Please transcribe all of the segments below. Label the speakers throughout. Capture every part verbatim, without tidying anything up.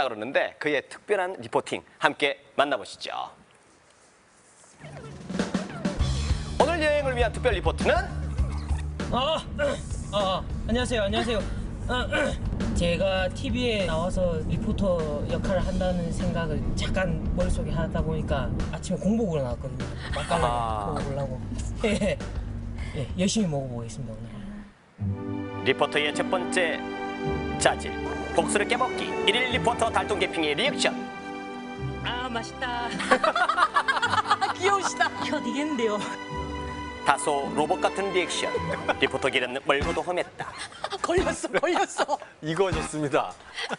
Speaker 1: 그러는데 그의 특별한 리포팅 함께 만나보시죠. 오늘 여행을 위한 특별 리포트는
Speaker 2: 아, 아, 안녕하세요, 안녕하세요. 아, 제가 티비에 나와서 리포터 역할을 한다는 생각을 잠깐 머릿속에 하다 보니까 아침에 공복으로 나왔거든요. 맛깔나게
Speaker 1: 아.
Speaker 2: 먹어보려고. 예, 예, 열심히 먹어보겠습니다, 오늘.
Speaker 1: 리포터의 첫 번째 자질, 복수를 깨먹기. 일일 리포터 달동개핑의 리액션.
Speaker 2: 아, 맛있다.
Speaker 3: 귀여우시다.
Speaker 2: 혀 되겠는데요.
Speaker 1: 다소 로봇 같은 리액션. 리포터 길은 멀고도 험했다.
Speaker 3: 걸렸어, 걸렸어.
Speaker 4: 이거 좋습니다.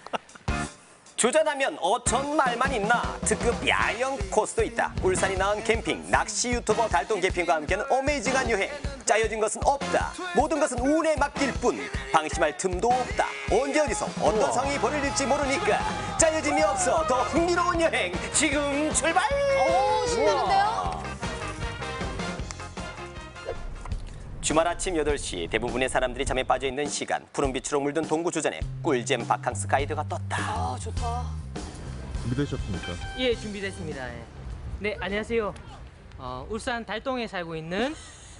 Speaker 1: 주전하면 어천 말만 있나? 특급 야영 코스도 있다. 울산이 낳은 캠핑, 낚시 유튜버 달동개핑과 함께하는 어메이징한 여행. 짜여진 것은 없다. 모든 것은 운에 맡길 뿐. 방심할 틈도 없다. 언제 어디서 어떤 상황이 벌어질지 모르니까 짜여짐이 없어 더 흥미로운 여행 지금 출발!
Speaker 3: 오, 신나는데요?
Speaker 1: 주말 아침 여덟 시 대부분의 사람들이 잠에 빠져있는 시간. 푸른 빛으로 물든 동구 주전에 꿀잼 바캉스 가이드가 떴다.
Speaker 3: 아, 좋다.
Speaker 5: 준비되셨습니까?
Speaker 2: 예, 준비됐습니다. 예. 네, 안녕하세요. 어, 울산 달동에 살고 있는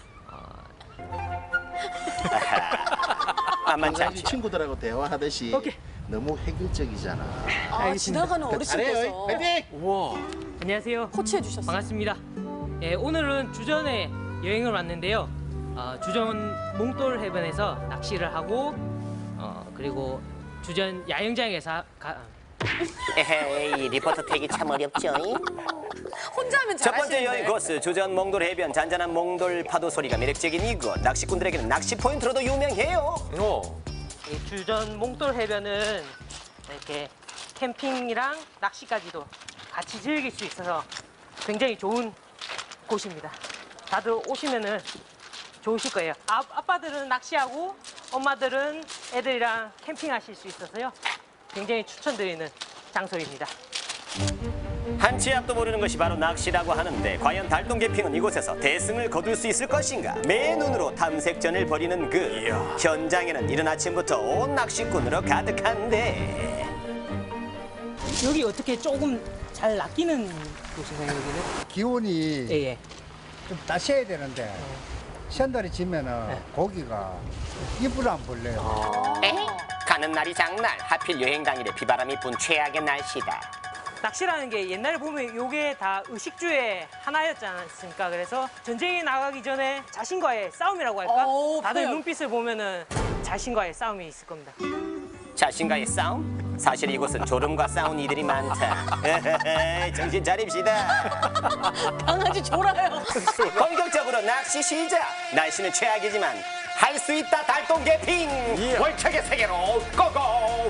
Speaker 1: 만만치
Speaker 6: 아주
Speaker 1: 않지.
Speaker 6: 친구들하고 대화하듯이
Speaker 2: 오케이.
Speaker 6: 너무 획일적이잖아.
Speaker 3: 아,
Speaker 2: 알겠습니다.
Speaker 3: 지나가는 어르신께서
Speaker 4: 우와.
Speaker 2: 안녕하세요.
Speaker 3: 코치해 주셨어요.
Speaker 2: 반갑습니다. 예, 오늘은 주전에 여행을 왔는데요. 어, 주전 몽돌 해변에서 낚시를 하고 어, 그리고 주전 야영장에서 가,
Speaker 1: 에헤이, 리포터 태기 참 어렵죠.
Speaker 3: 혼자 하면
Speaker 1: 첫
Speaker 3: 잘하시는데.
Speaker 1: 번째 여행 코스 주전 몽돌 해변. 잔잔한 몽돌 파도 소리가 매력적인 이곳. 낚시꾼들에게는 낚시 포인트로도 유명해요.
Speaker 4: 어.
Speaker 2: 이 주전 몽돌 해변은 이렇게 캠핑이랑 낚시까지도 같이 즐길 수 있어서 굉장히 좋은 곳입니다. 다들 오시면은 좋으실 거예요. 아, 아빠들은 낚시하고 엄마들은 애들이랑 캠핑하실 수 있어서요. 굉장히 추천드리는 장소입니다.
Speaker 1: 한치 앞도 모르는 것이 바로 낚시라고 하는데 과연 달동개핑은 이곳에서 대승을 거둘 수 있을 것인가? 맨눈으로 탐색전을 벌이는 그 현장에는 이른 아침부터 온 낚시꾼으로 가득한데
Speaker 2: 여기 어떻게 조금 잘 낚이는 곳인가요, 여기는?
Speaker 7: 기온이
Speaker 2: 예, 예.
Speaker 7: 좀 따셔야 되는데 시한달이 지면은
Speaker 2: 네.
Speaker 7: 고기가 입을 안 벌려요.
Speaker 1: 에이, 가는 날이 장날. 하필 여행 당일에 비바람이 분 최악의 날씨다.
Speaker 2: 낚시라는 게 옛날에 보면 요게 다 의식주의 하나였지 않습니까? 그래서 전쟁에 나가기 전에 자신과의 싸움이라고 할까?
Speaker 3: 오,
Speaker 2: 다들
Speaker 3: 표현.
Speaker 2: 눈빛을 보면은 자신과의 싸움이 있을 겁니다.
Speaker 1: 자신과의 싸움? 사실 이곳은 졸음과 싸운 이들이 많다. 에헤헤, 정신 차립시다.
Speaker 3: 강아지 졸아요.
Speaker 1: 본격적으로 낚시 시작. 날씨는 최악이지만 할 수 있다. 달동개핑 월척의 세계로 고고.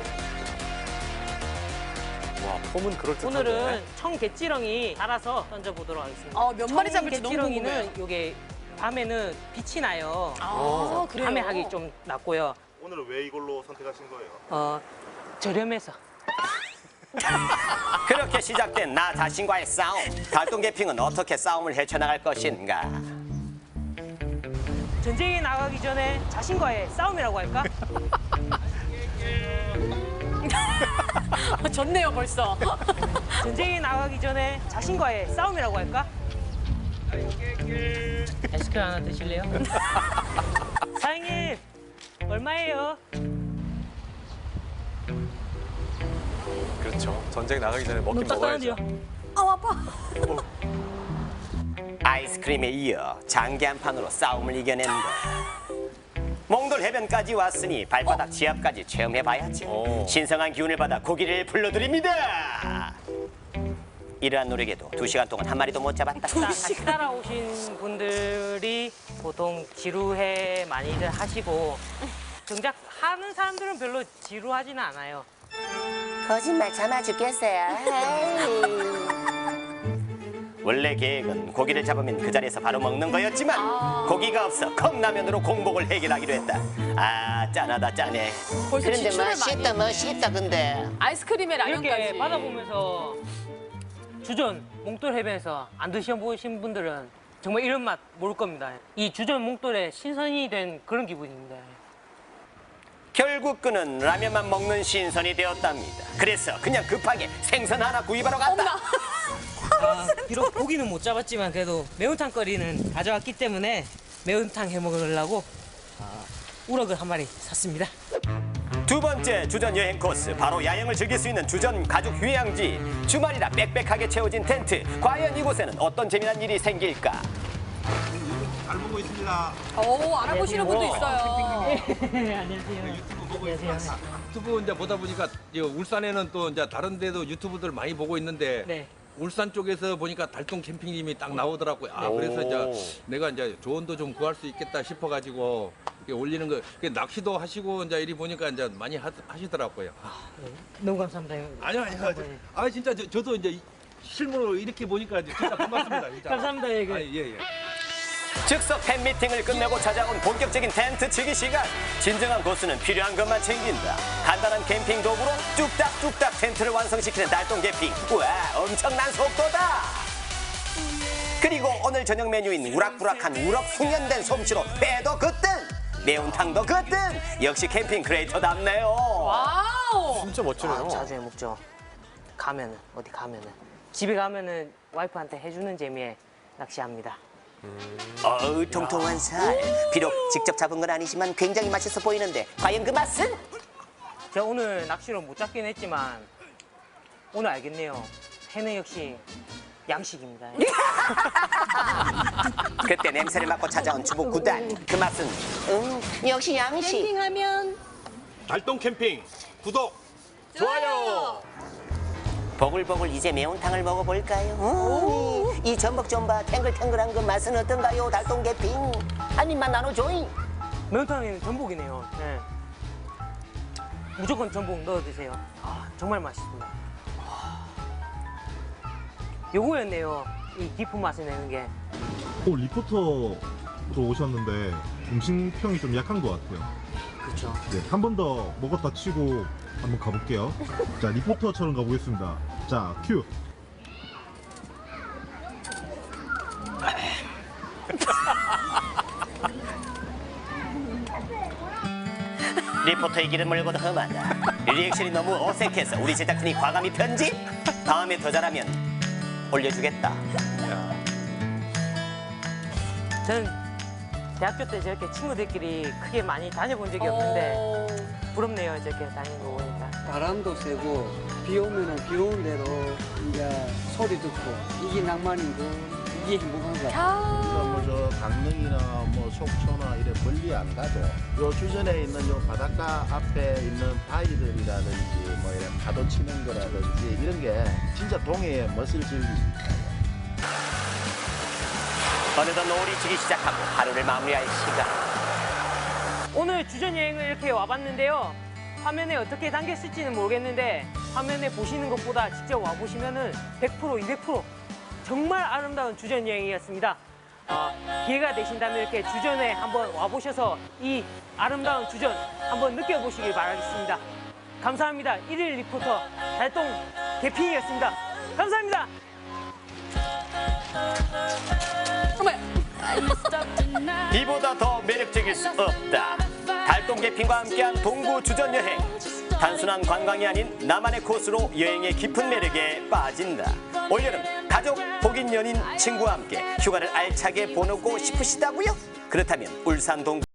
Speaker 4: 와, 폼은 그럴듯한데.
Speaker 2: 오늘은 청개찌렁이 달아서 던져보도록 하겠습니다.
Speaker 3: 어, 몇 마리 잡을지 너무
Speaker 2: 청개찌렁이는
Speaker 3: 궁금해요.
Speaker 2: 요게 밤에는 빛이 나요.
Speaker 3: 아, 그래요?
Speaker 2: 밤에 하기 좀 낫고요.
Speaker 5: 오늘은 왜 이걸로 선택하신 거예요?
Speaker 2: 어, 저렴해서.
Speaker 1: 그렇게 시작된 나 자신과의 싸움. 달동개핑은 어떻게 싸움을 헤쳐나갈 것인가?
Speaker 2: 전쟁에 나가기 전에 자신과의 싸움이라고 할까?
Speaker 3: 좋네요, 벌써.
Speaker 2: 전쟁에 나가기 전에 자신과의 싸움이라고 할까? 아이스크림 하나 드실래요? 사장님, 얼마예요?
Speaker 4: 그렇죠. 전쟁 나가기 전에 먹긴
Speaker 2: 너무
Speaker 4: 먹어야죠.
Speaker 2: 따뜻한데요?
Speaker 3: 아, 아파.
Speaker 1: 아이스크림에 이어 장기 한 판으로 싸움을 이겨낸다. 몽돌 해변까지 왔으니 발바닥 지압까지 체험해봐야지.
Speaker 4: 오.
Speaker 1: 신성한 기운을 받아 고기를 불러드립니다. 이러한 노력에도 두 시간 동안 한 마리도 못 잡았다.
Speaker 2: 자, 같이 따라오신 분들이 보통 지루해 많이들 하시고 정작 하는 사람들은 별로 지루하지는 않아요.
Speaker 1: 거짓말 참아 죽겠어요. 원래 계획은 고기를 잡으면 그 자리에서 바로 먹는 거였지만
Speaker 3: 아.
Speaker 1: 고기가 없어 컵라면으로 공복을 해결하기로 했다. 아 짠하다 짠해.
Speaker 3: 벌써
Speaker 1: 그런데
Speaker 3: 지출을
Speaker 1: 맛있다
Speaker 3: 많이
Speaker 1: 맛있다 근데.
Speaker 3: 아이스크림에 라면까지.
Speaker 2: 이렇게 받아보면서 주전 몽돌 해변에서 안 드셔보신 분들은 정말 이런 맛 모를 겁니다. 이 주전 몽돌에 신선이 된 그런 기분입니다.
Speaker 1: 결국 그는 라면만 먹는 신선이 되었답니다. 그래서 그냥 급하게 생선 하나 구입하러 갔다.
Speaker 2: 아, 비록 고기는 못 잡았지만 그래도 매운탕 거리는 가져왔기 때문에 매운탕 해 먹으려고 아, 우럭을 한 마리 샀습니다.
Speaker 1: 두 번째 주전 여행 코스, 바로 야영을 즐길 수 있는 주전 가족 휴양지. 주말이라 빽빽하게 채워진 텐트. 과연 이곳에는 어떤 재미난 일이 생길까?
Speaker 5: 잘 보고 있습니다.
Speaker 3: 오, 알아보시는 분도 있어요.
Speaker 2: 안녕하세요. 안녕하세요.
Speaker 8: 유튜브 이제 보다 보니까 이 울산에는 또 이제 다른 데도 유튜브들 많이 보고 있는데
Speaker 2: 네.
Speaker 8: 울산 쪽에서 보니까 달동 캠핑님이 딱 나오더라고요. 아, 그래서 이제 내가 이제 조언도 좀 구할 수 있겠다 싶어가지고 이렇게 올리는 거. 이렇게 낚시도 하시고 이제 이리 보니까 이제 많이 하, 하시더라고요.
Speaker 2: 너무 감사합니다.
Speaker 8: 아니요, 아니요. 아, 진짜 저, 저도 이제 실물로 이렇게 보니까 진짜 고맙습니다. 진짜.
Speaker 2: 감사합니다. 예, 그.
Speaker 8: 아, 예, 예.
Speaker 1: 즉석 팬미팅을 끝내고 찾아온 본격적인 텐트 치기 시간. 진정한 고수는 필요한 것만 챙긴다. 간단한 캠핑 도구로 뚝딱뚝딱 텐트를 완성시키는 달동 캠핑. 우와, 엄청난 속도다. 그리고 오늘 저녁 메뉴인 우락부락한 우럭 숙련된 솜씨로 회도 그뜬, 매운탕도 그뜬. 역시 캠핑 크리에이터답네요.
Speaker 3: 와우.
Speaker 4: 진짜 멋지네요.
Speaker 2: 아, 자주 해 먹죠. 가면은 어디 가면은 집에 가면은 와이프한테 해주는 재미에 낚시합니다.
Speaker 1: 어우, 통통한 살. 비록 직접 잡은 건 아니지만 굉장히 맛있어 보이는데 과연 그 맛은?
Speaker 2: 제가 오늘 낚시로 못 잡긴 했지만 오늘 알겠네요. 회는 역시 양식입니다.
Speaker 1: 그때 냄새를 맡고 찾아온 주부 구단. 그 맛은 음, 역시 양식.
Speaker 3: 캠핑하면
Speaker 5: 달동 캠핑 구독.
Speaker 1: 좋아요. 보글보글 이제 매운탕을 먹어볼까요? 음, 이 전복 좀 봐. 탱글탱글한 그 맛은 어떤가요? 달동 캠핑. 한 입만 나눠줘잉.
Speaker 2: 매운탕에는 전복이네요. 네. 무조건 전복 넣어 드세요. 아, 정말 맛있습니다. 아, 요거였네요. 이 깊은 맛을 내는 게.
Speaker 5: 오, 리포터로 오셨는데 음식평이 좀 약한 것 같아요.
Speaker 2: 그렇죠.
Speaker 5: 네, 한 번 더 먹었다 치고 한번 가볼게요. 자, 리포터처럼 가보겠습니다. 자, 큐.
Speaker 1: 리포터의 길은 멀고도 험하다. 리액션이 너무 어색해서 우리 제작진이 과감히 편집. 다음에 더 잘하면 올려주겠다.
Speaker 2: 저는 대학교 때 저렇게 친구들끼리 크게 많이 다녀본 적이 없는데
Speaker 3: 어.
Speaker 2: 부럽네요. 저렇게 다니는 거 보니까.
Speaker 9: 바람도 세고 비 오면은 비 오는 대로 이제 소리 듣고 이게 낭만이고 이게 행복한 것 같아요.
Speaker 6: 뭐저 강릉이나 뭐 속초나 이래 멀리 안 가도 요 주변에 있는 요 바닷가 앞에 있는 바위들이라든지 뭐 이런 파도 치는 거라든지 이런 게 진짜 동해의 멋을 즐길 수 있어요.
Speaker 1: 어느덧 노을이 지기 시작하고 하루를 마무리할 시간.
Speaker 2: 오늘 주전 여행을 이렇게 와봤는데요. 화면에 어떻게 담겼을지는 모르겠는데 화면에 보시는 것보다 직접 와보시면은 백 퍼센트, 이백 퍼센트 정말 아름다운 주전 여행이었습니다. 어, 기회가 되신다면 이렇게 주전에 한번 와보셔서 이 아름다운 주전 한번 느껴보시길 바라겠습니다. 감사합니다. 일일 리포터 달동 대피이었습니다. 감사합니다.
Speaker 1: 이보다 더 매력적일 수 없다. 달동 캠핑과 함께한 동구 주전 여행. 단순한 관광이 아닌 나만의 코스로 여행의 깊은 매력에 빠진다. 올여름 가족, 복인 연인, 친구와 함께 휴가를 알차게 보내고 싶으시다고요? 그렇다면 울산 동구